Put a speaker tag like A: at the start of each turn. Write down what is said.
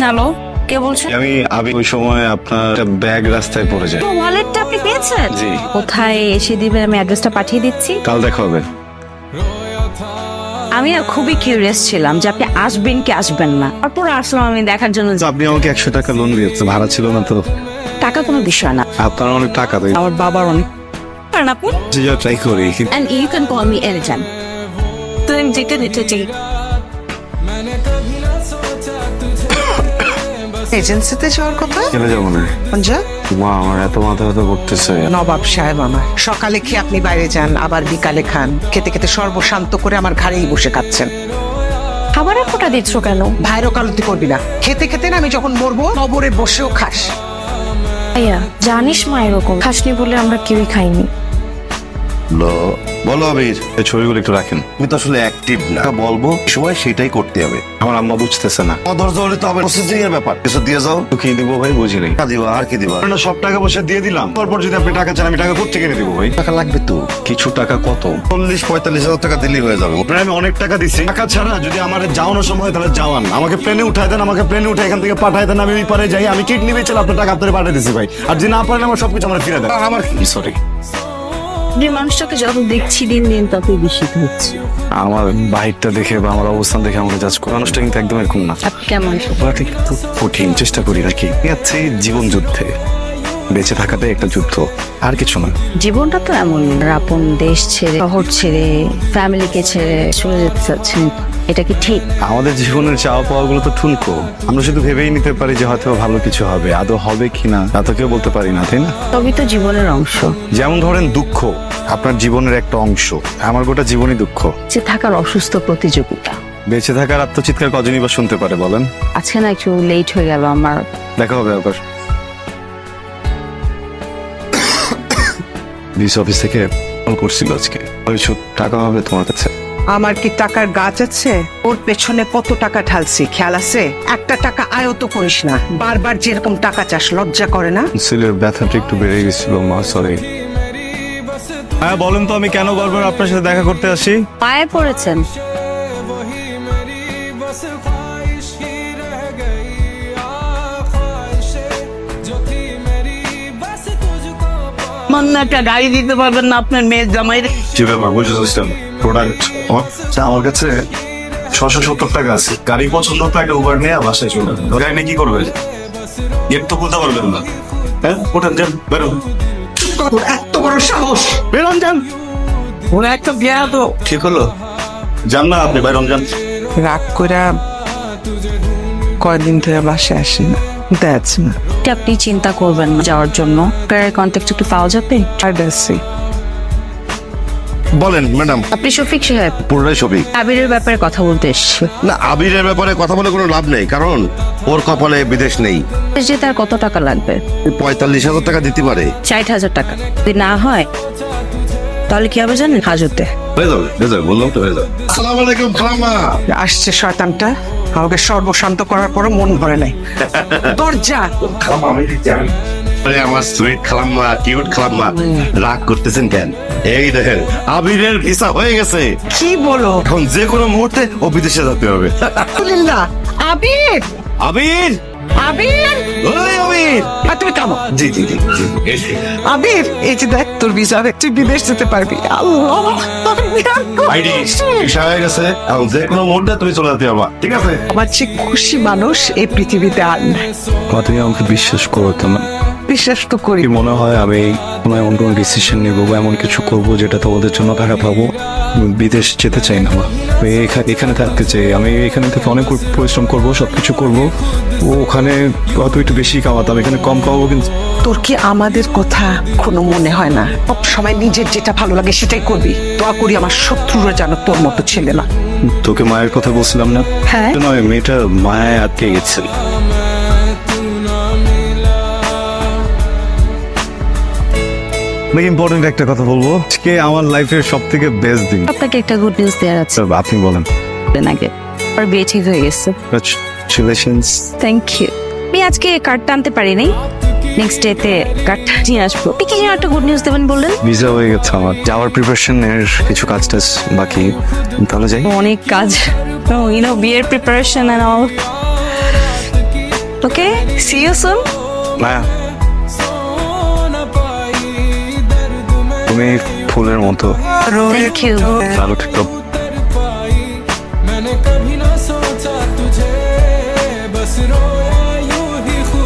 A: Hello, কে বলছেন?
B: আমি ওই সময় আপনার একটা ব্যাগ রাস্তায় পড়ে যায়।
A: ওয়ালেটটা আপনি পেয়েছেন?
B: জি।
A: কোথায় এসে দিবেন? আমি অ্যাড্রেসটা পাঠিয়ে দিচ্ছি।
B: কাল দেখা হবে।
A: আমি না খুবই কিউরিয়াস ছিলাম যে আপনি আসবেন কি আসবেন না। তারপর আসলাম আমি দেখার জন্য।
B: আপনি আমাকে 100 টাকা লোন দিয়েছেন, ভাড়া ছিল না তো।
A: টাকা কোনো বিষয় না,
B: আপনার অনেক টাকা দেয়।
A: আমার বাবার অনেক। কারণ আপনি
B: ট্রাই করি।
A: and you can call me anytime. তুমি যেতে দিতে চাই।
C: এজেন্সিতে যাওয়ার কথা?
B: চলে যাবো না।
C: যা
B: মা, আমার এত মাথা ব্যথা করতেছে।
C: নবাব সাহেব আমার সকালে খেয়ে আপনি বাইরে যান, আবার বিকালে খান। খেতে খেতে সর্বশান্ত করে আমার ঘাড়েই বসে খাচ্ছেন।
A: খাবারের ফোঁটা দিচ্ছ কেন?
C: ভাইরও কালতি করবি না। খেতে খেতে না আমি যখন মরবো কবরে বসেও খাস।
D: ভাইয়া জানিস মা এরকম খাসনি বলে আমরা কেউই খাইনি।
E: বলো আবির,
B: এই ছবিগুলো একটু রাখেন।
E: তুমি তো আসলে অ্যাক্টিভ না। বলবো সময় সেটাই করতে হবে।
B: আমার আম্মা বুঝতেছে না।
E: ধৈর্য হলে তো হবে, প্রসেসিং এর ব্যাপার। কিছু দিয়ে যাও।
B: তো কি দিব ভাই, বুঝি নাই।
E: টাকা দিবা আর কি দিবা?
B: না, সব টাকা পয়সা দিয়ে দিলাম। তারপর যদি আপনি টাকা চান, আমি টাকা কোথা থেকে দিব ভাই?
E: টাকা লাগবে তো।
B: কিছু টাকা কত?
E: 40-45 হাজার টাকা দিলেই হয়ে যাবে।
B: আপনার আমি অনেক টাকা দিছি। টাকা ছাড়া যদি আমার যাওয়ানোর সময় তাহলে যাওয়ান, আমাকে প্লেনে উঠাই দেন, আমাকে প্লেনে উঠে এখান থেকে পাঠাই দেন, আমি ওই পারে যাই। আমি কিডনি বেচে আপনার টাকা আপনার পাঠিয়ে দিছি ভাই। আর যদি না পারেন আমার সবকিছু আমার ফিরে দেন। আমার কি সরি।
A: যে মানুষটাকে যত দেখছি দিন দিন ততই বেশি হচ্ছে।
B: আমার বাহিরটা দেখে বা আমার অবস্থান দেখে আমাকে জাজ করে। মানুষটা কিন্তু একদম এরকম না।
A: আপনি কেমন?
B: ব্যাপারটা কিন্তু কঠিন, চেষ্টা করি নাকি। আছে জীবন যুদ্ধে, বেঁচে থাকাটাই একটা যুদ্ধ, আর কিছু না।
A: জীবনটা তো এমন, আপন দেশ ছেড়ে, শহর ছেড়ে, ফ্যামিলিকে ছেড়ে চলে যেতে চাচ্ছেন, এটা কি ঠিক?
B: আমাদের জীবনের চাওয়া পাওয়া গুলো তো ঠুনকো। আমরা শুধু ভেবেই নিতে পারি যে হয়তো ভালো কিছু হবে, আদৌ হবে কিনা তা তো কেউ বলতে পারি না, তাই না?
A: তবেই তো জীবনের অংশ।
B: যেমন ধরেন দুঃখ আপনার জীবনের একটা অংশ, আমার গোটা জীবনই দুঃখ।
A: যে থাকার অসুস্থ প্রতিযোগিতা।
B: বেঁচে থাকার আত্মচিৎকার কজনই বা শুনতে পারে বলেন?
A: আজকে না একটু লেট হয়ে গেল আমার।
B: দেখা হবে আবার। ডিস অফিস থেকে কল করছিল আজকে, কিছু টাকা হবে তোমার কাছে?
C: আমার কি টাকার গাছ আছে? ওর পেছনে কত টাকা ঢালছি খেয়াল আছে? একটা টাকা আয়ত করিস না। বারবার যেরকম টাকা চাস লজ্জা করে না?
B: সিলের ব্যথাটা একটু বেড়ে গেছিল মা, সরি। হ্যাঁ বলেন তো, আমি কেন বারবার আপনার সাথে দেখা করতে আসি?
A: পায়ে পড়েছেন।
F: মান্না একটা গাড়ি দিতে পারবেন না আপনার মেয়ের জামাই?
B: যে ব্যাপার বুঝেছিলাম, প্রোডাক্ট আমার কাছে 670 টাকা আছে। গাড়ি পছন্দ তো একটা উবার নিয়ে বাসায় চলে যাবে। গাড়ি নিয়ে কি করবে? গেট তো খুলতে পারবেন না। হ্যাঁ ওঠেন, যান বেরোন।
C: এত বড় সাহস!
B: বেরোন যান।
F: ওরা একটা বিয়া তো
B: ঠিক হলো, যান না আপনি, বেরোন যান।
C: রাগ করে কয়দিন ধরে বাসায় আসি না। দ্যাটস না।
A: এটা আপনি চিন্তা করবেন না যাওয়ার জন্য। প্যারের কন্ট্যাক্ট একটু পাওয়া যাবে?
E: বলেন ম্যাডাম।
A: আপনি শফিক সাহেব?
E: পুরোটাই ছবি।
A: আবিরের ব্যাপারে কথা বলতে এসছি।
E: না, আবিরের ব্যাপারে কথা বলে কোনো লাভ নেই, কারণ ওর কপালে বিদেশ নেই।
A: যে তার কত টাকা লাগবে?
E: 45,000 টাকা দিতে পারে।
A: 60,000 টাকা যদি না হয় তাহলে কি হবে জানেন? হাজতে।
E: হয়ে যাবে, হয়ে যাবে, বললাম তো হয়ে যাবে। আসসালামু আলাইকুম খালাম্মা।
C: আসছে শয়তানটা, আমাকে সর্বশান্ত করার পরও মন ভরে নাই। দরজা
E: খালাম্মা আমি দিচ্ছি আমি। আরে আমার সুইট খালাম্মা, কিউট খালাম্মা, রাগ করতেছেন কেন? এই দেখেন আবিরের ভিসা হয়ে গেছে।
C: কি বলো?
E: এখন যে কোনো মুহূর্তে ও বিদেশে যেতে হবে।
C: আলহামদুলিল্লাহ। আবির,
E: আবির,
C: আবির,
E: ওই আবির।
C: তুমি কামো।
E: জি জি জি।
C: আবির, এই যে দেখ তোর ভিসা, তুই বিদেশ যেতে পারবি। আল্লাহ, তোর বিরাট
E: আইডি
C: খুশি।
E: ভিসা হয়ে গেছে, এখন যে কোনো মুহূর্তে তুমি চলে যেতে পারবা, ঠিক আছে?
C: আমার চেয়ে খুশি মানুষ এই পৃথিবীতে আর নাই।
B: তুমি আমাকে বিশ্বাস করো তো না?
C: বিশ্বাস তো করি।
B: কি মনে হয় আমি কোনো এমন কোনো ডিসিশন নেবো বা এমন কিছু করবো যেটা তোমাদের জন্য টাকা পাবো? বিদেশ যেতে চাই না, আমি এখানে থাকতে চাই। আমি এখানে থেকে অনেক পরিশ্রম করবো, সবকিছু করবো। ও ওখানে হয়তো একটু বেশি কামাতাম, এখানে কম কামাবো। কিন্তু
C: তোর কি আমাদের কথা কোনো মনে হয় না? সব সময় নিজের যেটা ভালো লাগে সেটাই করবি। দোয়া করি আমার শত্রুরা যেন তোর মতো ছেলে না।
B: তোকে মায়ের কথা বলছিলাম না?
A: হ্যাঁ।
B: নয়, মেয়েটা মায়ায় আটকে গেছে। ইম্পর্টেন্ট একটা কথা বলবো, আজকে আমার লাইফের সব থেকে বেস্ট দিন।
A: আপনাকে একটা গুড নিউজ দেওয়ার আছে।
B: আপনি বলেন।
A: আগে আর বিয়ে ঠিক হয়ে গেছে।
B: কংগ্রাচুলেশনস।
A: Thank you. আমি আজকে কার্ডটা আনতে পারিনি, নেক্সট ডেতে কার্ডটা নিয়ে আসবো। আপনি কি যেন একটা গুড নিউজ দেবেন বললেন?
B: ভিসা হয়ে গেছে আমার, যাওয়ার প্রিপারেশনের কিছু কাজ টাজ বাকি, তাহলে যাই।
A: অনেক কাজ, বিয়ের preparation and all.
D: Okay, see you soon.
B: Maya, তুমি ফুলের মতো
D: থ্যাংক ইউ।
B: ভালো থেকো।